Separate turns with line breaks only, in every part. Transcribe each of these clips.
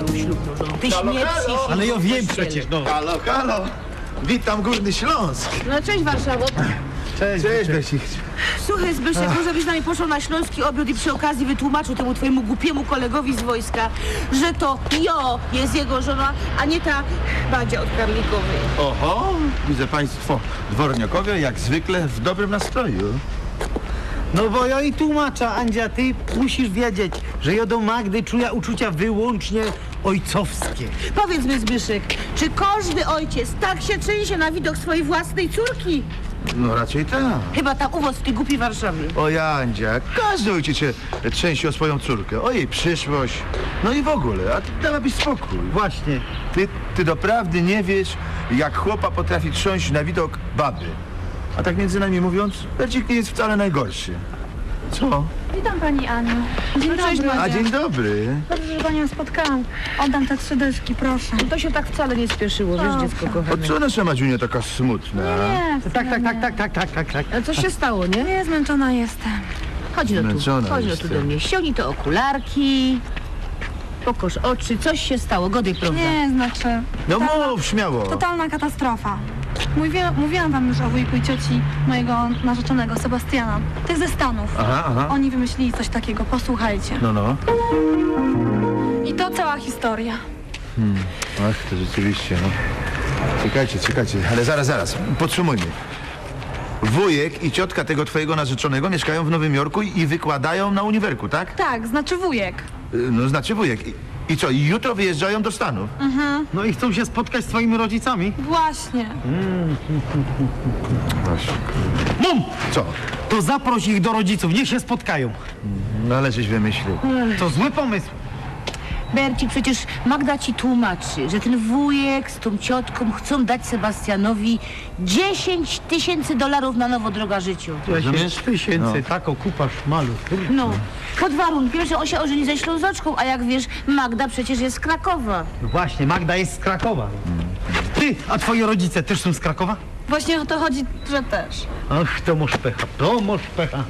moją ślubną żoną. Ty śmierci.
Ale ja wiem przecież, no.
Halo, halo. Witam Górny Śląsk.
No cześć Warszawo.
Cześć,
Cześć, Besik.
Słuchaj Zbyszek, może byś z nami poszł na śląski obiad i przy okazji wytłumaczył temu twojemu głupiemu kolegowi z wojska, że to Jo jest jego żona, a nie ta Badzia od Karlikowej.
Oho, widzę państwo dworniokowie jak zwykle w dobrym nastroju.
No bo ja i tłumaczę, Andzia, ty musisz wiedzieć, że ja do Magdy czuję uczucia wyłącznie ojcowskie.
Powiedz mi Zbyszek, czy każdy ojciec tak się trzęsie na widok swojej własnej córki?
No raczej tak.
Chyba tam u was w tej głupiej Warszawie.
O Jandzia, każdy ojciec się trzęsie o swoją córkę, o jej przyszłość. No i w ogóle, a ty dałabyś spokój.
Właśnie.
Ty doprawdy nie wiesz, jak chłopa potrafi trząść na widok baby. A tak między nami mówiąc, Bercik nie jest wcale najgorszy. Co?
Witam pani Aniu. Dzień
cześć,
dobry.
A dzień dobry.
Dobrze, że panią spotkałam. Oddam te 3 dyszki, proszę.
To się tak wcale nie spieszyło, wiesz, dziecko
O
kochane.
co nasza Madziunia taka smutna?
Nie,
Tak.
Ale coś się stało, nie?
nie, zmęczona jestem.
Chodź no tu,
Zmęczona
chodź no tu
jestem.
do mnie. Ściągnij te okularki. Pokoż oczy, coś się stało, godaj, prawda?
Nie, znaczy...
No mów, śmiało.
Totalna katastrofa. Mówiłam wam już o wujku i cioci mojego narzeczonego, Sebastiana. Tych ze Stanów.
Aha.
Oni wymyślili coś takiego, posłuchajcie.
No.
I to cała historia.
Ach, to rzeczywiście, no. Czekajcie, ale zaraz, podsumujmy. Wujek i ciotka tego twojego narzeczonego mieszkają w Nowym Jorku i wykładają na uniwerku, tak?
Tak, znaczy wujek.
No znaczy wujek. I co, i jutro wyjeżdżają do Stanów?
No i chcą się spotkać z twoimi rodzicami?
Właśnie.
Właśnie.
Mum!
Co?
To zaproś ich do rodziców, niech się spotkają.
No ale żeś wymyślił.
To zły pomysł.
Bercik, przecież Magda ci tłumaczy, że ten wujek z tą ciotką chcą dać Sebastianowi $10,000 na nowo droga życiu.
10 tysięcy, taką kupa szmalu.
No, pod warunkiem, że on się ożeni ze Ślązoczką, a jak wiesz, Magda przecież jest z Krakowa.
No właśnie, Magda jest z Krakowa. Ty, a twoi rodzice też są z Krakowa?
Właśnie o to chodzi, że też.
Ach, to masz pecha.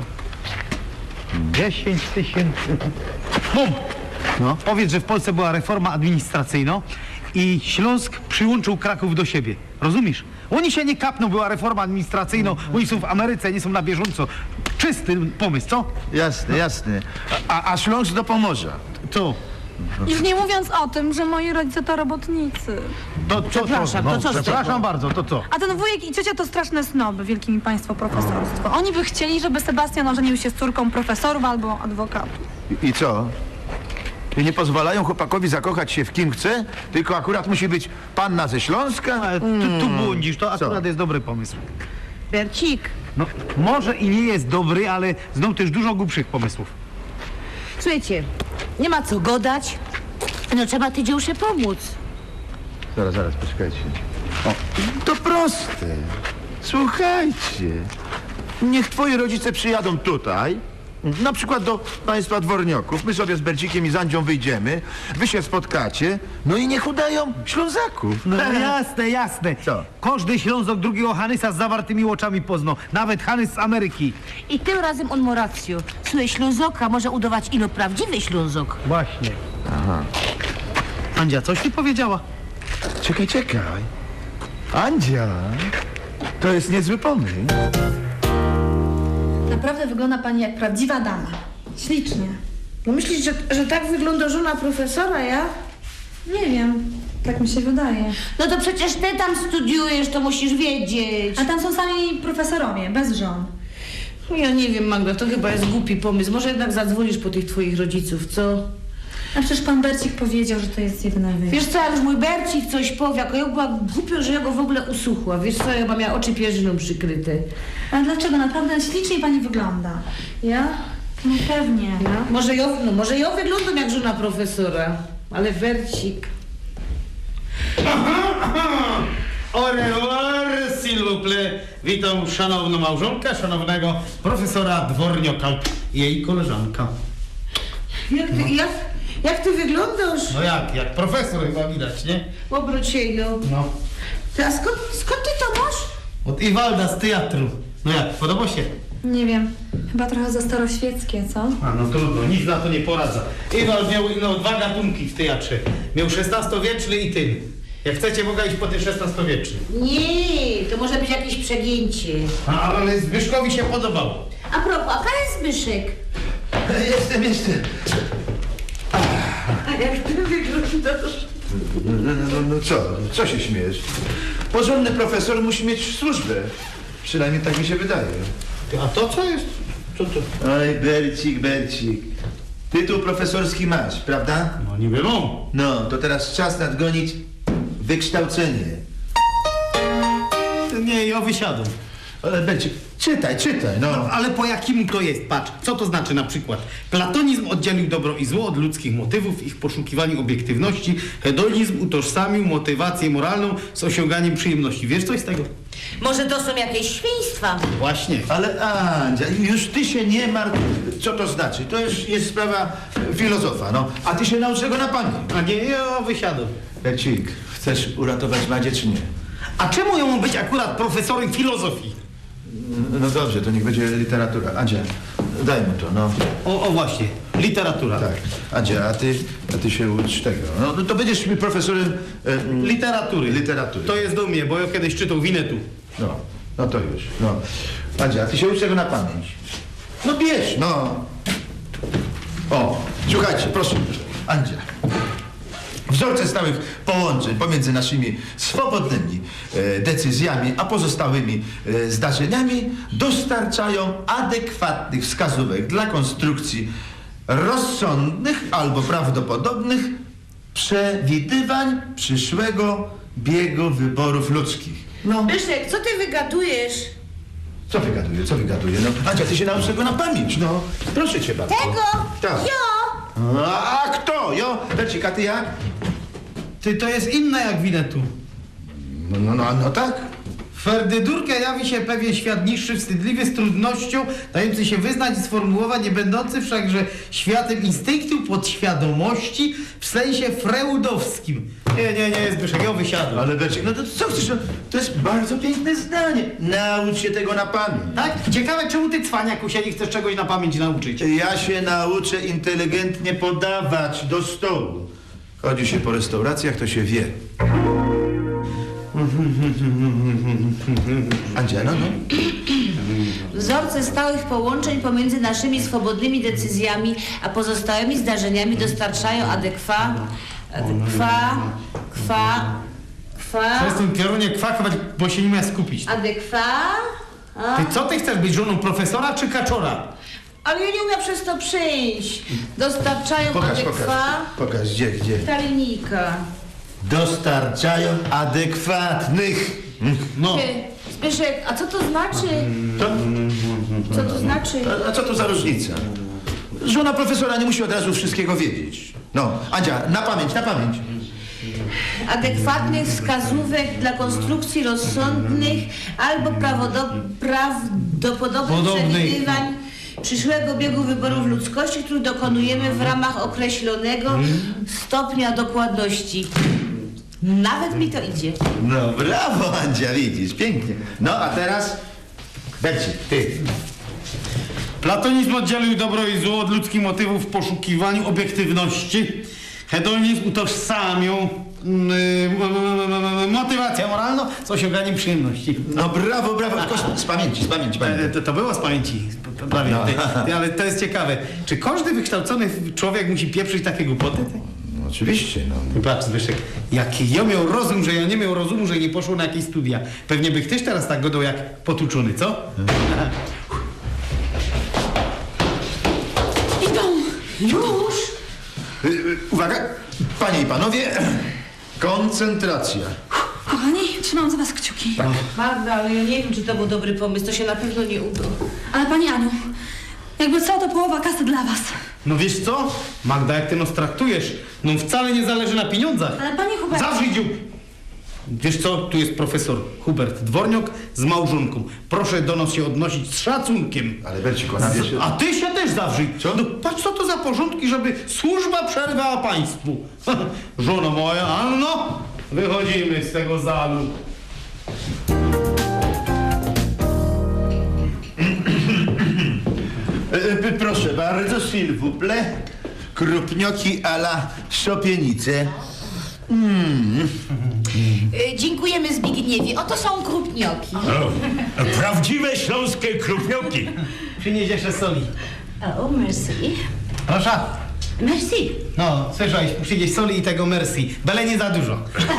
10 tysięcy. Mum! No. Powiedz, że w Polsce była reforma administracyjna i Śląsk przyłączył Kraków do siebie. Rozumiesz? Oni się nie kapną, była reforma administracyjna, oni są w Ameryce, nie są na bieżąco. Czysty pomysł, co?
Jasne. A Śląsk do Pomorza.
Co?
Już nie mówiąc o tym, że moi rodzice to robotnicy.
To co?
Przepraszam, to co z tego?
Przepraszam bardzo, to co?
A ten wujek i ciocia to straszne snoby, wielkie mi państwo profesorstwo. Oni by chcieli, żeby Sebastian ożenił się z córką profesorów albo adwokatów.
I co? I nie pozwalają chłopakowi zakochać się w kim chce, tylko akurat musi być panna ze Śląska?
Ale tu błądzisz, to akurat jest dobry pomysł.
Bercik,
No, może i nie jest dobry, ale znał też dużo głupszych pomysłów.
słuchajcie, nie ma co godać, no trzeba tej dziełsze pomóc.
Zaraz, poczekajcie. O, to proste. Słuchajcie. Niech twoi rodzice przyjadą tutaj, na przykład do państwa dworniaków. My sobie z Bercikiem i z Andzią wyjdziemy, wy się spotkacie, no i niech udają Ślązaków.
No jasne.
Co?
Każdy Ślązok drugiego Hanysa z zawartymi oczami poznał. Nawet Hanys z Ameryki.
I tym razem on ma rację. Słuchaj, Ślązoka może udawać ino prawdziwy Ślązok.
Właśnie. Aha. Andzia, coś ty powiedziała?
Czekaj. Andzia, to jest niezły pomysł.
Naprawdę wygląda pani jak prawdziwa dama. Ślicznie.
No myślisz, że tak wygląda żona profesora, ja?
Nie wiem, tak mi się wydaje.
No to przecież ty tam studiujesz, to musisz wiedzieć.
A tam są sami profesorowie, bez żon.
Ja nie wiem, Magda, to chyba jest głupi pomysł. Może jednak zadzwonisz po tych twoich rodziców, co?
A przecież pan Bercik powiedział, że to jest jedyna wyjście.
Wiesz co, jak już mój Bercik coś powie, jako ja była głupio, że ja go w ogóle usłuchła. Wiesz co, ja chyba miała oczy pierzyną przykryte.
A dlaczego? Naprawdę ślicznie pani wygląda.
Ja?
No pewnie.
Może ja wyglądam jak żona profesora, ale Bercik...
Au revoir, s'il vous plaît. Witam szanowną małżonkę, szanownego profesora Dwornioka i jej koleżanka.
Jak ty wyglądasz?
No jak profesor chyba widać, nie?
Obróć się, no.
No.
Ty, a skąd ty to masz?
Od Iwalda z teatru. No jak, podoba się?
Nie wiem, chyba trochę za staroświeckie, co?
A no trudno, nic na to nie poradza. Ewald miał no, 2 gatunki w teatrze. Miał XVI-wieczny i ten. Jak chcecie, mogę iść po ten XVI-wieczny.
Nie, to może być jakieś przegięcie.
Ale Zbyszkowi się podobało.
A propos, a pan jest Zbyszek?
Jestem.
A jak ty wyglądasz?
No co się śmiejesz? Porządny profesor musi mieć służbę. Przynajmniej tak mi się wydaje.
A to co jest? Co to?
Oj, Bercik. Tytuł profesorski masz, prawda?
No niby mam.
No, to teraz czas nadgonić wykształcenie.
Nie, ja wysiadam.
Ale Bercik, czytaj, no.
Ale po jakim to jest? Patrz, co to znaczy na przykład? Platonizm oddzielił dobro i zło od ludzkich motywów w ich poszukiwaniu obiektywności. Hedonizm utożsamił motywację moralną z osiąganiem przyjemności. Wiesz coś z tego?
Może to są jakieś świństwa?
Właśnie.
Ale Andzia, już ty się nie martw, co to znaczy. To już jest sprawa filozofa, no. A ty się naucz tego na pamięć.
A nie, ja wysiadam.
Bercik, chcesz uratować Madzie, czy nie?
A czemu ja mam być akurat profesorem filozofii?
No dobrze, to niech będzie literatura. Andzia, daj mu to, no.
O właśnie, literatura.
Tak. Andzia, a ty się ucz tego. No to będziesz mi profesorem
Literatury. To jest do mnie, bo ja kiedyś czytał Winetu.
No to już, no. Andzia, a ty się ucz tego na pamięć. No bierz, no. O, słuchajcie, proszę, Andzia. Wzorce stałych połączeń pomiędzy naszymi swobodnymi decyzjami a pozostałymi zdarzeniami dostarczają adekwatnych wskazówek dla konstrukcji rozsądnych albo prawdopodobnych przewidywań przyszłego biegu wyborów ludzkich. No,
Zbyszek, co ty wygadujesz?
co wygaduję? No, Andzia, ty się naucz tego na pamięć, no. Proszę cię bardzo.
Tego?
Tak.
Jo!
A kto? Jo? Bercik, a ty jak?
Ty, to jest inne jak Winetu.
No tak.
Ferdydurkę jawi się pewien świat niższy, wstydliwy, z trudnością, dający się wyznać i sformułować, nie będący wszakże światem instynktu, podświadomości, w sensie freudowskim. Nie, Zbyszek, ja wysiadam.
Ale Bercik, no to co chcesz? No, to jest bardzo piękne zdanie. Naucz się tego na pamięć.
Tak? Ciekawe, czemu ty, cwaniaku, się nie chcesz czegoś na pamięć nauczyć?
Ja się nauczę inteligentnie podawać do stołu. Chodzi się po restauracjach, to się wie. Andzia, no.
Wzorce stałych połączeń pomiędzy naszymi swobodnymi decyzjami a pozostałymi zdarzeniami dostarczają
Przestań piorunie kwakować, bo się nie ma skupić. Ty co ty chcesz być, żoną profesora czy kaczora?
Ale ja nie umiem przez to przyjść. Dostarczają
Pokaż, gdzie?
ta linijka.
Dostarczają adekwatnych.
No.
Ty, Zbyszek, a co to znaczy? Co to znaczy?
A co to za różnica? Żona profesora nie musi od razu wszystkiego wiedzieć. No, Andzia, na pamięć.
Adekwatnych wskazówek dla konstrukcji rozsądnych albo prawdopodobnych przewidywań przyszłego biegu wyborów ludzkości, których dokonujemy w ramach określonego stopnia dokładności. Nawet mi to idzie.
No, brawo, Andzia, widzisz, pięknie. No, a teraz Bercik, ty.
Platonizm oddzielił dobro i zło od ludzkich motywów w poszukiwaniu obiektywności. Hedonizm utożsamił motywację moralną z osiąganiem przyjemności.
No, brawo, tylko z pamięci.
To było z pamięci, prawie.
No.
Ale to jest ciekawe. Czy każdy wykształcony człowiek musi pieprzyć takie głupoty?
No, oczywiście, no.
Patrz, Zbyszek, jaki ja miał rozum, że ja nie miał rozumu, że nie poszło na jakieś studia. Pewnie bych też teraz tak godał jak potłuczony, co?
Idą! Już!
Uwaga, panie i panowie, koncentracja.
Kochani, trzymam za was kciuki.
Magda, ale ja nie wiem, czy to był dobry pomysł. To się na pewno nie uda.
Ale pani Aniu, jakby co, to połowa kasy dla was.
No wiesz co? Magda, jak ty nas traktujesz, no wcale nie zależy na pieniądzach.
Ale panie Hubert...
Zawrzyj dziób! Wiesz co? Tu jest profesor Hubert Dworniok z małżonką. Proszę do nas się odnosić z szacunkiem.
Ale Bercik, ona wiesz...
A ty się też zawrzyj.
Co?
No patrz, co to za porządki, żeby służba przerwała państwu. Żono moja, Anno, wychodzimy z tego zalu.
bardzo, s'il vous plaît. Krupnioki a la szopienice.
Dziękujemy, Zbigniewie. Oto są krupnioki.
Prawdziwe śląskie krupnioki.
Przynieś jeszcze soli.
O, merci.
Proszę.
Merci.
No, słyszałeś, przynieś soli i tego merci. Byle nie za dużo.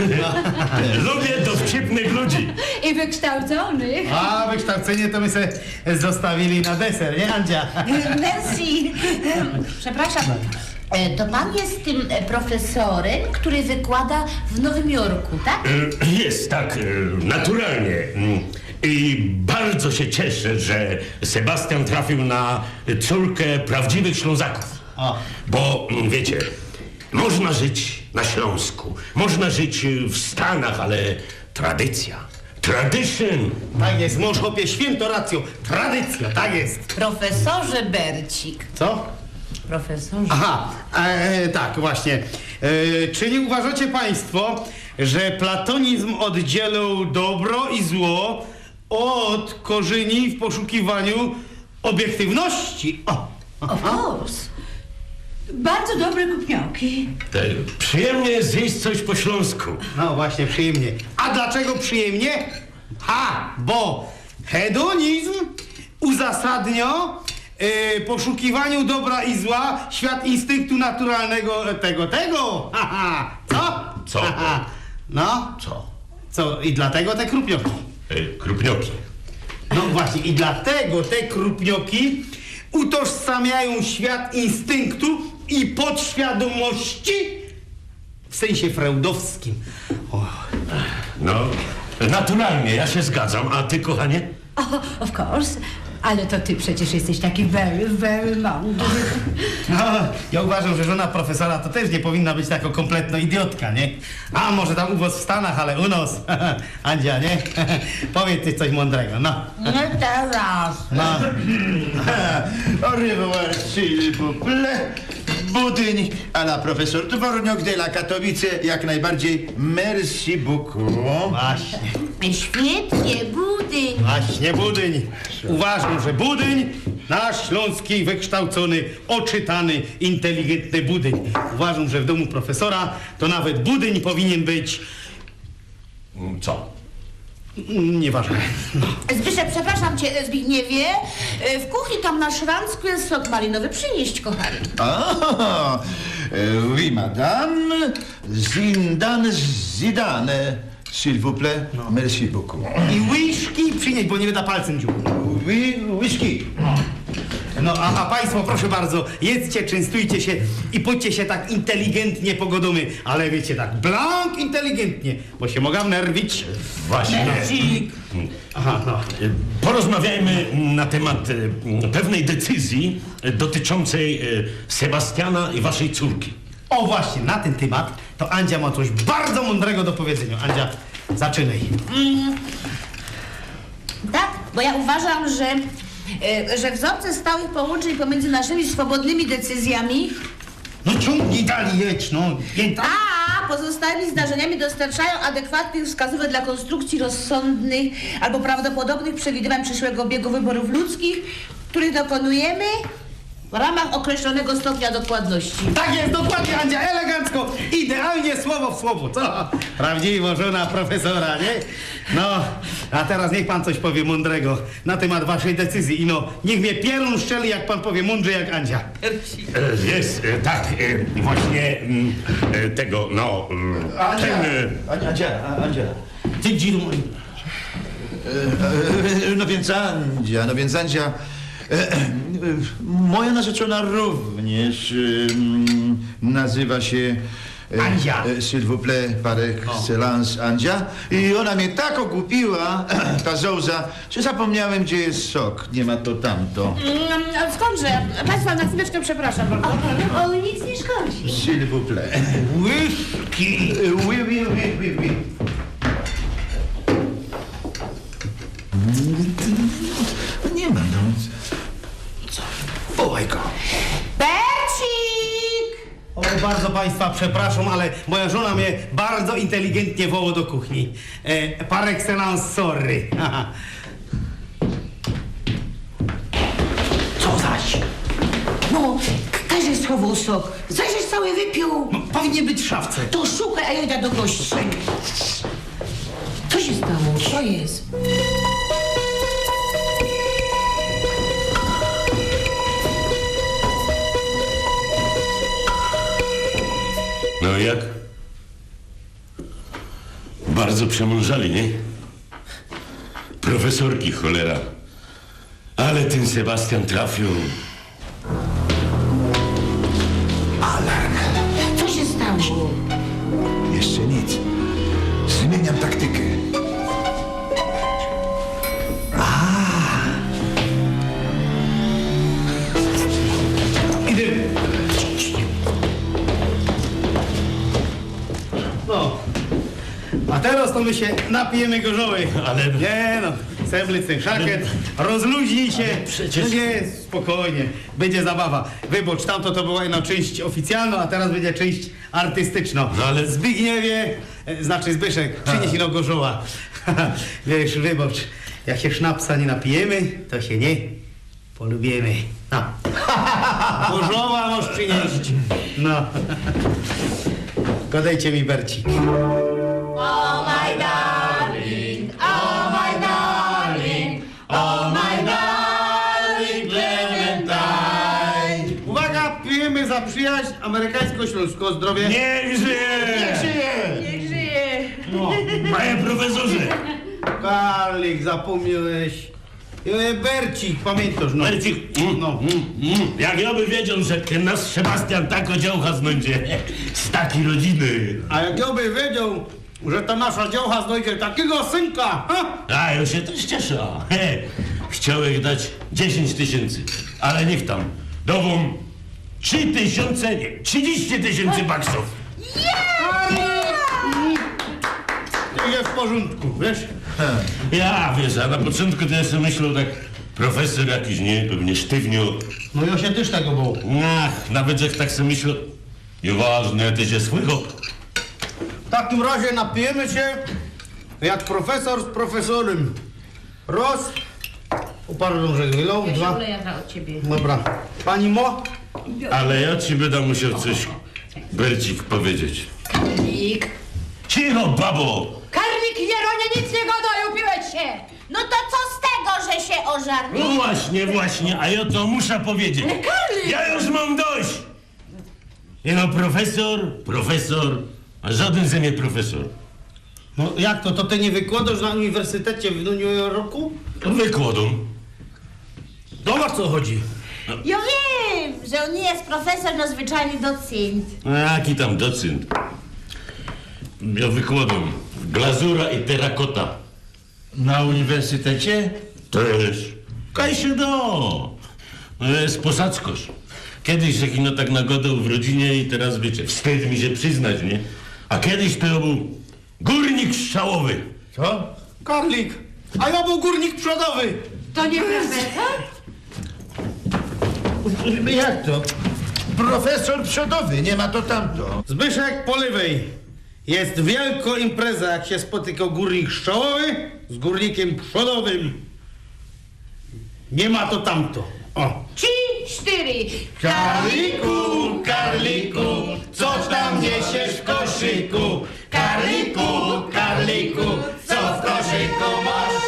Lubię dowcipnych ludzi.
I wykształconych.
A wykształcenie to my sobie zostawili na deser, nie Andzia?
Merci. Przepraszam. To pan jest tym profesorem, który wykłada w Nowym Jorku, tak?
Jest, tak, naturalnie. I bardzo się cieszę, że Sebastian trafił na córkę prawdziwych Ślązaków.
O.
Bo, wiecie, można żyć na Śląsku, można żyć w Stanach, ale tradycja, tradition.
Tak jest, mąż chłopie, święto racją. Tradycja, tak jest.
Profesorze Bercik.
Co?
Profesorze.
Aha, tak, właśnie. Czy nie uważacie państwo, że platonizm oddzielał dobro i zło od korzeni w poszukiwaniu obiektywności? O.
Of course. Bardzo dobre kupnioki.
Przyjemnie zjeść coś po śląsku.
No właśnie, przyjemnie. A dlaczego przyjemnie? Bo hedonizm uzasadnia poszukiwaniu dobra i zła, świat instynktu naturalnego tego. Co?
Co?
No, co? I dlatego te krupnioki.
Krupnioki.
No właśnie, i dlatego te krupnioki utożsamiają świat instynktu i podświadomości w sensie freudowskim. O.
No, naturalnie, ja się zgadzam. A ty, kochanie?
Of course. Ale to ty przecież jesteś taki very, very mądry.
No, ja uważam, że żona profesora to też nie powinna być taka kompletna idiotka, nie? A może tam u was w Stanach, ale u nas. Andzia, nie? Powiedz ty coś mądrego, no.
Nie teraz.
No.
Au revoir, s'il vous plaît. Budyń a la profesor Dworniok de la Katowice. Jak najbardziej. Merci beaucoup.
Właśnie.
Świetnie, budy.
Właśnie, Budyń. Uważam, że Budyń, nasz śląski, wykształcony, oczytany, inteligentny Budyń. Uważam, że w domu profesora to nawet Budyń powinien być...
Co?
Nieważne.
Zbyszek, przepraszam cię, Zbigniewie. W kuchni tam na szranczku jest sok malinowy. Przynieść, kochany.
Ah, oui, madame. Zidane. S'il vous plaît. Merci beaucoup.
I łyżki przynieść, bo nie wyda palcem dziób.
Oui, whisky.
No, a państwo, proszę bardzo, jedzcie, częstujcie się i pójdźcie się tak inteligentnie pogodomy, ale wiecie, tak blank inteligentnie, bo się mogę nerwić.
Właśnie.
Aha, no.
Porozmawiajmy na temat pewnej decyzji dotyczącej Sebastiana i waszej córki.
O właśnie, na ten temat to Andzia ma coś bardzo mądrego do powiedzenia. Andzia, zaczynaj.
Tak, bo ja uważam, że wzorce stałych połączeń pomiędzy naszymi swobodnymi decyzjami
No ciągnij dalej, jedź, no.
a pozostałymi zdarzeniami dostarczają adekwatnych wskazówek dla konstrukcji rozsądnych albo prawdopodobnych przewidywań przyszłego biegu wyborów ludzkich, których dokonujemy w ramach określonego stopnia dokładności.
Tak jest, dokładnie, Andzia, elegancko, idealnie, słowo w słowo, co? Prawdziwa żona profesora, nie? No, a teraz niech pan coś powie mądrego na temat waszej decyzji i no, niech mnie pierun szczeli, jak pan powie mądrze jak Andzia.
Jest, tak, właśnie tego, no,
Andzia.
Ty dziru...
No więc Andzia, moja narzeczona również nazywa się
Andzia.
S'il vous plaît, par excellence Andzia. I ona mnie tak ogłupiła, ta zołza, że zapomniałem, gdzie jest sok. Nie ma to tamto.
Skądże? Państwa, na chwileczkę przepraszam bardzo.
O, nic nie szkodzi.
S'il vous plaît.
Łyżki.
Oui. Nie ma, no.
Wołaj go.
Bercik!
O, bardzo państwa przepraszam, ale moja żona mnie bardzo inteligentnie woła do kuchni. Par excellence, sorry. Co zaś?
No, Kazie schował sok. Zajrzeć cały wypił.
No, powinien być w szafce.
To szukaj, a ja idę do gości. Co się stało? Co jest?
No i jak? Bardzo przemążali, nie? Profesorki, cholera. Ale ten Sebastian trafił.
Alarm.
Co się stało?
Jeszcze nic. Zmieniam taktykę.
Idę. No. A teraz to my się napijemy gorzołej.
Ale-
Nie no, seblyc ten szakiet, rozluźnij się.
przecież-
No nie, spokojnie, będzie zabawa. Wybacz, tamto to była jedna część oficjalna, a teraz będzie część artystyczna.
No ale-
Zbigniewie, znaczy Zbyszek, przynieś ino gorzoła. Wiesz, wybacz, jak się sznapsa nie napijemy, to się nie polubimy. No. Gorzoła możesz przynieść. No. Godajcie mi Bercik. Uwaga, pijemy za przyjaźń amerykańsko-śląską. Zdrowie.
Niech żyje!
Niech żyje.
Panie profesorze!
Karlik, zapomniałeś. Bercik, pamiętasz, no.
Bercik, jak ja by wiedział, że ten nasz Sebastian tak odziełcha znajdzie z takiej rodziny.
A jak ja by wiedział, że ta nasza dziołcha znajdzie takiego synka, ha?
A, ja się też cieszę. He, chciałem dać 10 000, ale niech tam. Dową 3 000, nie, 30 000 baksów.
Jest w porządku, wiesz?
Ja, wiesz, a na początku to ja sobie myślał tak, profesor jakiś, nie, pewnie sztywniu.
No ja się też tego bał.
Ach, nawet jak tak sobie myślał, nieważne, ty się słychał.
W takim razie napijemy się jak profesor z profesorem. Raz. Pardon, że wylał. Dwa.
Oleja od ciebie.
Dobra. Pani Mo?
Ale ja ci będę musiał coś, Bercik, powiedzieć.
Karlik.
Cicho, babo!
Karlik, Jeronie, nic nie gadaj, upiłeś się.
No to co z tego, że się ożarł?
No właśnie, a ja to muszę powiedzieć.
Ale Karlik!
Ja już mam dość! I no profesor, a żaden ze mnie profesor.
No jak to? To ty nie wykładasz na uniwersytecie w Nowym Jorku?
Wykładą.
No o co chodzi?
Ja wiem, że on nie jest profesor, no zwyczajny docent.
Jaki tam docent? Ja wykładam glazura i terakota.
Na uniwersytecie?
Też. Kaj się do. No jest posadzkosz. Kiedyś się kino tak nagodał w rodzinie i teraz wiecie, wstyd mi się przyznać, nie? A kiedyś to był górnik strzałowy.
Co?
Karlik. A ja był górnik przodowy.
To nie profesor?
Jak to? Profesor przodowy, nie ma to tamto.
Zbyszek po lewej. Jest wielka impreza, jak się spotyka górnik szczałowy z górnikiem przodowym. Nie ma to tamto. O.
3, 4.
Karliku, Karliku, co tam niesiesz w koszyku? Karliku, Karliku, co w koszyku masz?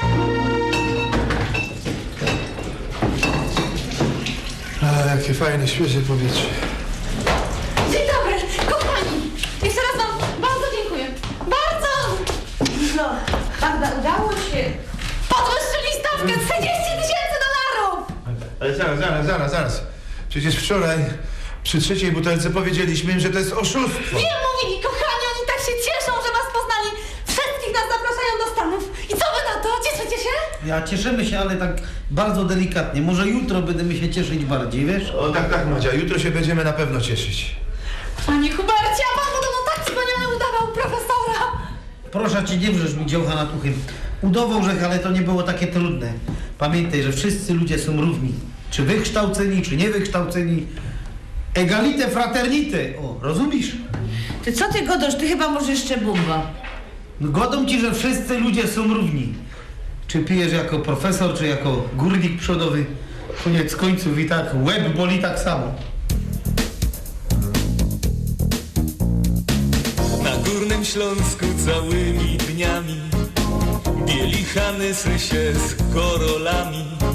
A, jakie fajne, świeże powietrze.
Dzień dobry, kochani. Jeszcze raz wam bardzo dziękuję. Bardzo!
No, prawda, udało się.
Podwyższyli stawkę 30 000 $!
Ale zaraz. Przecież wczoraj przy trzeciej butelce powiedzieliśmy im, że to jest oszustwo.
Wiem, mówili, kochani, oni tak się cieszą, że was poznali. Wszystkich nas zapraszają do Stanów. I co wy na to? Cieszycie się?
Ja cieszymy się, ale tak bardzo delikatnie. Może jutro będziemy się cieszyć bardziej, wiesz?
O tak, Madzia, jutro się będziemy na pewno cieszyć.
Panie Hubercie, a pan podobno tak wspaniale udawał profesora.
Proszę cię, nie wrzesz mi dziołcha nad uchem. Udawał, że ale to nie było takie trudne. Pamiętaj, że wszyscy ludzie są równi. Czy wykształceni, czy niewykształceni. Egalite, fraternite. O, rozumiesz?
Ty co ty godosz? Ty chyba może jeszcze bumba.
No godą ci, że wszyscy ludzie są równi. Czy pijesz jako profesor, czy jako górnik przodowy. koniec końców i tak łeb boli tak samo.
Na Górnym Śląsku całymi dniami bieli hanysy się z korolami.